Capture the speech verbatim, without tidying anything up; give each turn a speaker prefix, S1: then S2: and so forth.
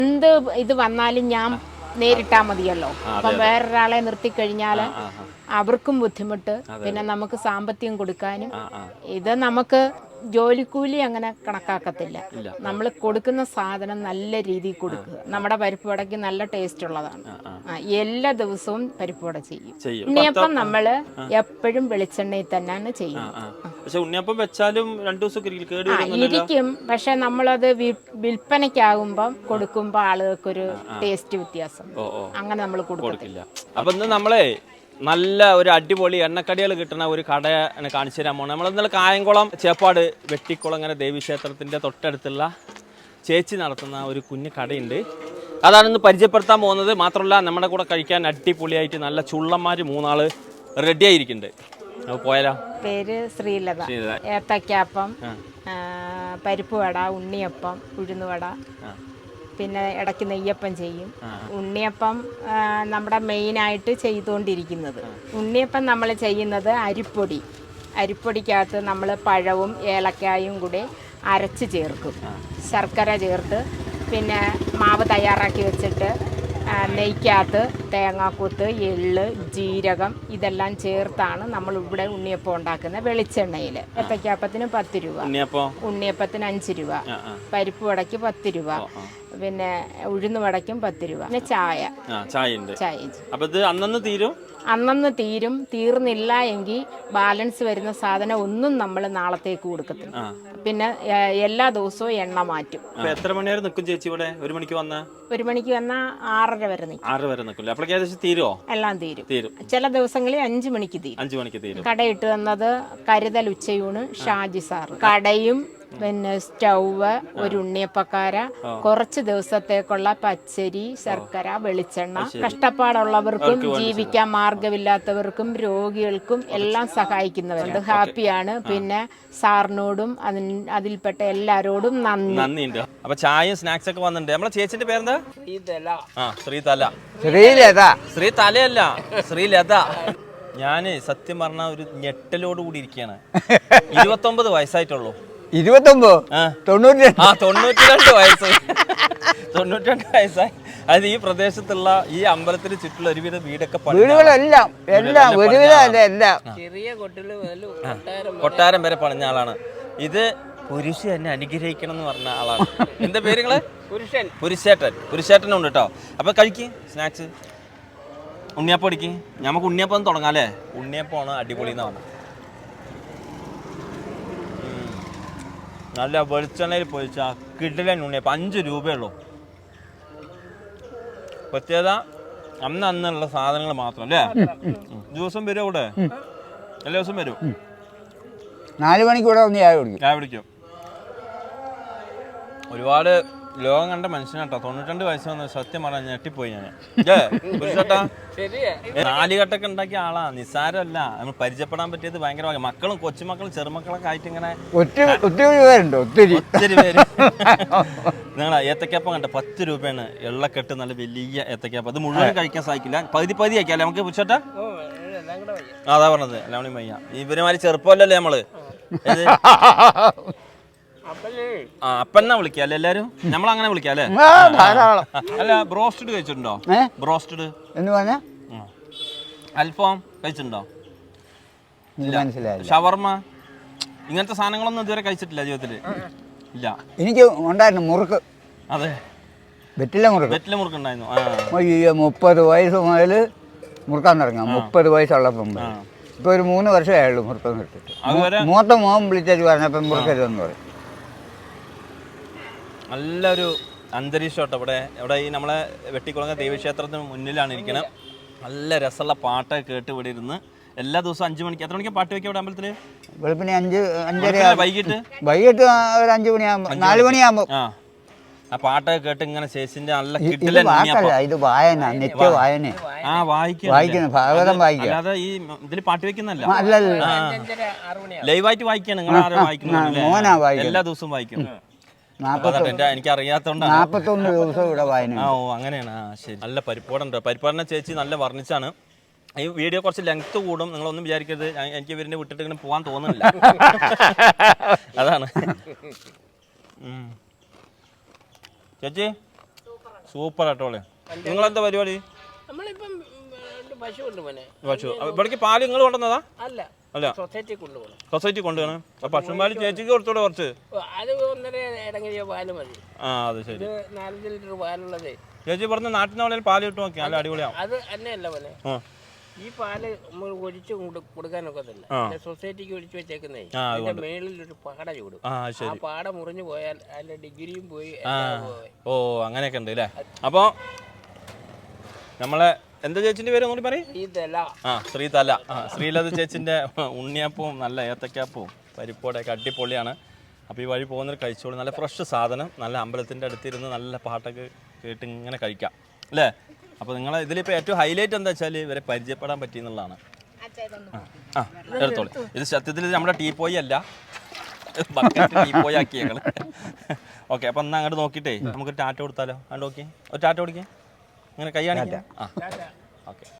S1: എന്ത് ഇത് വന്നാലും ഞാൻ നേരിട്ടാ മതിയല്ലോ. അപ്പം വേറൊരാളെ നിർത്തിക്കഴിഞ്ഞാൽ അവർക്കും ബുദ്ധിമുട്ട്, പിന്നെ നമുക്ക് സാമ്പത്തികം കൊടുക്കാനും. ഇത് നമുക്ക് ജോലിക്കൂലി അങ്ങനെ കണക്കാക്കത്തില്ല. നമ്മൾ കൊടുക്കുന്ന സാധനം നല്ല രീതിയിൽ കൊടുക്കുക. നമ്മുടെ പരിപ്പ് വടയ്ക്ക് നല്ല ടേസ്റ്റ് ഉള്ളതാണ്. എല്ലാ ദിവസവും പരിപ്പ് വട ചെയ്യും. ഉണ്ണിയപ്പം നമ്മൾ എപ്പോഴും വെളിച്ചെണ്ണയിൽ തന്നെയാണ് ചെയ്യുന്നത്.
S2: ഉണ്ണിയപ്പം വെച്ചാലും രണ്ടു ദിവസം
S1: ഇരിക്കും. പക്ഷെ നമ്മളത് വിൽപ്പനയ്ക്കാകുമ്പം കൊടുക്കുമ്പോൾ ആളുകൾക്കൊരു ടേസ്റ്റ് വ്യത്യാസം അങ്ങനെ നമ്മൾ കൊടുക്കത്തില്ല.
S2: അപ്പൊ ഇന്ന് നമ്മളെ നല്ല ഒരു അടിപൊളി എണ്ണക്കടികൾ കിട്ടുന്ന ഒരു കട കാണിച്ചു തരാൻ പോകണം. നമ്മൾ ഇന്നലെ കായംകുളം ചേപ്പാട് വെട്ടിക്കുളങ്ങര ദേവീക്ഷേത്രത്തിൻ്റെ തൊട്ടടുത്തുള്ള ചേച്ചി നടത്തുന്ന ഒരു കുഞ്ഞു കടയുണ്ട്. അതാണ് ഇന്ന് പരിചയപ്പെടുത്താൻ പോകുന്നത്. മാത്രമല്ല നമ്മുടെ കൂടെ കഴിക്കാൻ അടിപൊളിയായിട്ട് നല്ല ചുള്ളന്മാർ മൂന്നാള് റെഡി ആയിരിക്കുന്നുണ്ട്. അപ്പോൾ പോയാലോ?
S1: പേര് ശ്രീലത. ഏത്തക്കാപ്പം, പരിപ്പ് വട, ഉണ്ണിയപ്പം, ഉഴുന്നുവട, പിന്നെ ഇടയ്ക്ക് നെയ്യപ്പം ചെയ്യും. ഉണ്ണിയപ്പം നമ്മുടെ മെയിനായിട്ട് ചെയ്തുകൊണ്ടിരിക്കുന്നത്. ഉണ്ണിയപ്പം നമ്മൾ ചെയ്യുന്നത് അരിപ്പൊടി അരിപ്പൊടിക്കകത്ത് നമ്മൾ പഴവും ഏലക്കായും കൂടി അരച്ച് ചേർക്കും. ശർക്കര ചേർത്ത് പിന്നെ മാവ് തയ്യാറാക്കി വെച്ചിട്ട് നെയ്ക്കകത്ത് തേങ്ങാക്കൊത്ത്, എള്ള്, ജീരകം ഇതെല്ലാം ചേർത്താണ് നമ്മൾ ഇവിടെ ഉണ്ണിയപ്പം ഉണ്ടാക്കുന്നത്. വെളിച്ചെണ്ണയിൽ. ഏത്തക്കാപ്പത്തിന് പത്ത് രൂപ, ഉണ്ണിയപ്പത്തിന് അഞ്ച് രൂപ, പരിപ്പ് വടയ്ക്ക് പത്ത് രൂപ, പിന്നെ ഉഴുന്ന് വടയ്ക്കും പത്ത് രൂപ, പിന്നെ ചായ ചായ അന്നന്ന് തീരും അന്നന്ന് തീരും തീർന്നില്ല എങ്കിൽ ബാലൻസ് വരുന്ന സാധനം ഒന്നും നമ്മൾ നാളത്തേക്ക് കൊടുക്കത്തില്ല. പിന്നെ എല്ലാ ദിവസവും എണ്ണ മാറ്റും.
S2: എത്ര മണി വരെ നിൽക്കും ചേച്ചി ഇവിടെ? ഒരു മണിക്ക് വന്ന
S1: ഒരു മണിക്ക് വന്നാൽ ആറര വരെ നിൽക്കും.
S2: ആറര വരെ നിൽക്കില്ല. അപ്പോഴേക്കും തീരുമോ?
S1: എല്ലാം തീരും. തീരും ചില ദിവസങ്ങളിൽ അഞ്ചു മണിക്ക് തീരും.
S2: അഞ്ചു മണിക്ക് തീരും.
S1: കടയിട്ട് വന്നത് കരുതൽ ഉച്ചയൂണ് ഷാജി സാറ്. കടയും പിന്നെ സ്റ്റൗവ്, ഒരു ഉണ്ണിയപ്പക്കാര, കുറച്ച് ദിവസത്തേക്കുള്ള പച്ചരി, ശർക്കര, വെളിച്ചെണ്ണ. കഷ്ടപ്പാടുള്ളവർക്കും ജീവിക്കാൻ മാർഗമില്ലാത്തവർക്കും രോഗികൾക്കും എല്ലാം സഹായിക്കുന്നവരുണ്ട്. ഹാപ്പിയാണ്. പിന്നെ സാറിനോടും അതിൽപ്പെട്ട എല്ലാരോടും നന്ദി
S2: നന്ദിയുണ്ട്. അപ്പൊ ചായയും സ്നാക്സ് ഒക്കെ വന്നിട്ടുണ്ട്. നമ്മളെ ചേച്ചിന്റെ പേരെന്താ? ശ്രീതല.
S3: ശ്രീലത.
S2: ശ്രീ തലയല്ല, ശ്രീലത. ഞാന് സത്യം പറഞ്ഞ ഒരു ഞെട്ടലോട് കൂടി ഇരിക്കുകയാണ്. ഇരുപത്തൊമ്പത് വയസ്സായിട്ടുള്ളൂ.
S3: ഇരുപത്തൊമ്പത് തൊണ്ണൂറ്റി
S2: ആ തൊണ്ണൂറ്റി രണ്ട് വയസ്സ് തൊണ്ണൂറ്റി രണ്ട് വയസ്സായി. അത് ഈ പ്രദേശത്തുള്ള ഈ അമ്പലത്തിന് ചുറ്റുള്ള ഒരുവിധ വീടൊക്കെ
S3: വീടുകളെല്ലാം എല്ലാം ഒരുവിധം എല്ലാം
S4: ചെറിയ
S2: കൊട്ടാരം വരെ പണിഞ്ഞ ആളാണ്. ഇത് പുരുഷ എന്നെ അനുഗ്രഹിക്കണം എന്ന് പറഞ്ഞ ആളാണ്. എന്താ പേരുകള്?
S4: പുരുഷൻ.
S2: പുരുഷേട്ടൻ. പുരുഷേട്ടനും ഉണ്ട് കേട്ടോ. അപ്പൊ കഴിക്ക് സ്നാക്സ്. ഉണ്ണിയപ്പം അടിക്ക്. നമുക്ക് ഉണ്ണിയപ്പം തുടങ്ങാം അല്ലേ? ഉണ്ണിയപ്പമാണ് അടിപൊളി എന്ന് പറഞ്ഞത്. നല്ല വെളിച്ചെണ്ണയിൽ പൊരിച്ച കിടിലൻ ഉണ്ണിയപ്പം. അഞ്ച് രൂപയുള്ളൂ. പ്രത്യേകത അന്ന് അന്നുള്ള സാധനങ്ങൾ മാത്രം അല്ലേ? ദിവസം വരും ഇവിടെ? എല്ലാ ദിവസം വരും.
S3: നാല് മണിക്ക് ഇവിടെ ഒന്ന് ചായ കുടിക്കും.
S2: ചായ കുടിക്കും. ഒരുപാട് ലോകം കണ്ട മനുഷ്യനാട്ടോ. തൊണ്ണൂറ്റി വയസ്സ് വന്ന് സത്യം പറഞ്ഞാൽ ഞെട്ടിപ്പോയി ഞാൻ. നാലുകെട്ടൊക്കെ ഉണ്ടാക്കിയ ആളാ. നിസ്സാരമല്ല. നമ്മൾ പരിചയപ്പെടാൻ പറ്റിയത് ഭയങ്കര. മക്കളും കൊച്ചുമക്കളും ചെറുമക്കളൊക്കെ ആയിട്ട് ഇങ്ങനെ
S3: ഒത്തിരി പേരുണ്ട്. ഒത്തിരി
S2: ഒത്തിരി പേര്. നിങ്ങൾ ഏത്തക്കാപ്പം കണ്ട പത്ത് രൂപയാണ്. എള്ളക്കെട്ട് നല്ല വലിയ ഏത്തക്കാപ്പം. അത് മുഴുവൻ കഴിക്കാൻ സാധിക്കില്ല. പകുതി പകുതി ആക്കിയാലേ നമുക്ക് പുരുഷട്ടാ? അതാ പറഞ്ഞത്. എല്ലാവരും വയ്യ. ഇവരുമാതിരി ചെറുപ്പമല്ലല്ലേ നമ്മള്. ആ അപ്പന്നാ വിളിക്കാം അല്ലേ എല്ലാരും? നമ്മൾ അങ്ങനെ വിളിക്കാം അല്ലേ? അല്ല ബ്രോസ്റ്റഡ് കഴിച്ചിട്ടുണ്ടോ? ബ്രോസ്റ്റഡ്
S3: എന്ന് പറഞ്ഞ
S2: അൽഫാം കഴിച്ചിട്ടുണ്ടോ?
S3: മനസ്സിലായി.
S2: ഷവർമ്മ ഇങ്ങനത്തെ സാധനങ്ങളൊന്നും ഇതുവരെ കഴിച്ചിട്ടില്ല ജീവിതത്തില്? ഇല്ല.
S3: എനിക്ക് ഉണ്ടായിരുന്നു മുറുക്ക്.
S2: അതെ,
S3: വെറ്റില മുറുക്ക്.
S2: വെറ്റില മുറുക്ക് ഉണ്ടായിരുന്നു.
S3: അയ്യോ, മുപ്പത് വയസ്സ് മുതൽ മുറുക്കാൻ തുടങ്ങാം. മുപ്പത് വയസ്സുള്ളപ്പം ഇപ്പൊ ഒരു മൂന്ന് വർഷമായുള്ളൂ മുറുക്കം കിട്ടിട്ട്. മൂത്ത മോൻ വിളിച്ചു പറഞ്ഞപ്പം മുറുക്കരുതെന്ന് പറയും.
S2: നല്ലൊരു അന്തരീക്ഷം കേട്ടോ ഇവിടെ. ഇവിടെ ഈ നമ്മളെ വെട്ടിക്കുളങ്ങ ദേവീക്ഷേത്രത്തിന് മുന്നിലാണ് ഇരിക്കണം. നല്ല രസമുള്ള പാട്ടൊക്കെ കേട്ട് ഇവിടെ ഇരുന്ന് എല്ലാ ദിവസവും അഞ്ചു മണിക്ക്. എത്ര മണിക്ക് പാട്ട് വെക്കാം ഇവിടെ അമ്പലത്തില്?
S3: വെളുപ്പിനെ അഞ്ച് അഞ്ചര.
S2: വൈകിട്ട്
S3: വൈകിട്ട് ഒരു അഞ്ചു മണിയാകുമ്പോ നാല് മണിയാകുമ്പോ
S2: ആ പാട്ടൊക്കെ കേട്ട് ഇങ്ങനെ ശേഷിന്റെ നല്ല കിട്ടില്ല.
S3: ഇത് വായന, നിത്യ വായന.
S2: ആ വായിക്കും
S3: വായിക്കുന്നു, ഭാഗവതം വായിക്കും.
S2: അല്ലാതെ ഈ ഇതിൽ പാട്ട് വെക്കുന്നല്ല,
S3: അല്ലല്ല,
S2: ലൈവായിട്ട് വായിക്കാണ്. നിങ്ങൾ ആരും വായിക്കുന്നു? എല്ലാ ദിവസവും വായിക്കും. എനിക്ക് അറിയാത്തോണ്ടാണ്.
S3: നാപ്പത്തൊന്ന് ദിവസം ഇവിടെ വായന.
S2: ആ ഓ അങ്ങനെയാണ്. ആ ശരി. നല്ല പരിപ്പാടുണ്ട്. പരിപ്പാടിനെ ചേച്ചി നല്ല വർണ്ണിച്ചാണ്. ഈ വീഡിയോ കുറച്ച് ലെങ്ത് കൂടും, നിങ്ങളൊന്നും വിചാരിക്കരുത്. എനിക്ക് ഇവരിനെ വിട്ടിട്ട് ഇങ്ങനെ പോകാൻ തോന്നുന്നില്ല. അതാണ് ചേച്ചി. സൂപ്പർ ആട്ടോളെ. നിങ്ങളെന്താ പരിപാടി?
S4: നമ്മളിപ്പം പശു ഉണ്ട് മോനെ.
S2: പശു ഇവിടേക്ക് പാല് നിങ്ങൾ കൊണ്ടുവന്നതാ?
S4: അല്ല
S2: അല്ല,
S4: സൊസൈറ്റി കൊണ്ടുപോകണം.
S2: സൊസൈറ്റി കൊണ്ടുപോകണം. അപ്പൊ പശുപാല് ചേച്ചിക്ക് കുറച്ചുകൂടെ കുറച്ച്.
S4: അത് ഒന്നര ഇടങ്ങിയ പാല് മതി.
S2: ആ അത് ശരി.
S4: ഇത് നാലഞ്ച് ലിറ്റർ പാലുള്ളത്.
S2: ചേച്ചി പറഞ്ഞ നാട്ടിനുള്ള പാല് കിട്ടും നോക്കി നല്ല അടിപൊളിയാവും.
S4: അത് തന്നെയല്ല മോനെ, ഈ പാല് നമ്മൾ ഒഴിച്ച് കൊടുക്കാനൊക്കത്തില്ല. സൊസൈറ്റിക്ക് ഒഴിച്ചു വെച്ചേക്കുന്നേ അതിന്റെ മേളിൽ ഒരു പാട ചൂടും. ആ പാട മുറിഞ്ഞു പോയാൽ അതിന്റെ ഡിഗ്രിയും പോയി.
S2: ഓ അങ്ങനെയൊക്കെ ഉണ്ട് അല്ലേ. അപ്പൊ നമ്മളെ എന്താ ചേച്ചിന്റെ പേര് ഒന്നുകൂടി പറയും? ആ ശ്രീതല. ആ ശ്രീലത ചേച്ചിന്റെ ഉണ്ണിയപ്പവും നല്ല ഏത്തക്കാപ്പവും പരിപ്പോടെയൊക്കെ അടിപൊളിയാണ്. അപ്പോൾ ഈ വഴി പോകുന്നവർ കഴിച്ചോളൂ. നല്ല ഫ്രഷ് സാധനം, നല്ല അമ്പലത്തിൻ്റെ അടുത്തിരുന്ന് നല്ല പാട്ടൊക്കെ കേട്ട് ഇങ്ങനെ കഴിക്കാം അല്ലേ. അപ്പോൾ നിങ്ങളെ ഇതിലിപ്പോൾ ഏറ്റവും ഹൈലൈറ്റ് എന്താ വെച്ചാൽ ഇവരെ പരിചയപ്പെടാൻ പറ്റിയെന്നുള്ളതാണ്. ആ എടുത്തോളൂ. ഇത് സത്യത്തിൽ ഇത് നമ്മുടെ ടീ പോയി അല്ല, ബക്കറ്റ് ടീ പോയി ആക്കി ഞങ്ങൾ. ഓക്കെ, അപ്പം എന്നാൽ അങ്ങോട്ട് നോക്കിയിട്ടേ നമുക്ക് ടാറ്റ കൊടുത്താലോ? അങ്ങോട്ട് നോക്കി ഒരു ടാറ്റ കൊടുക്കേ, അങ്ങനെ കൈ കാണിക്കാം. ആ ഓക്കെ.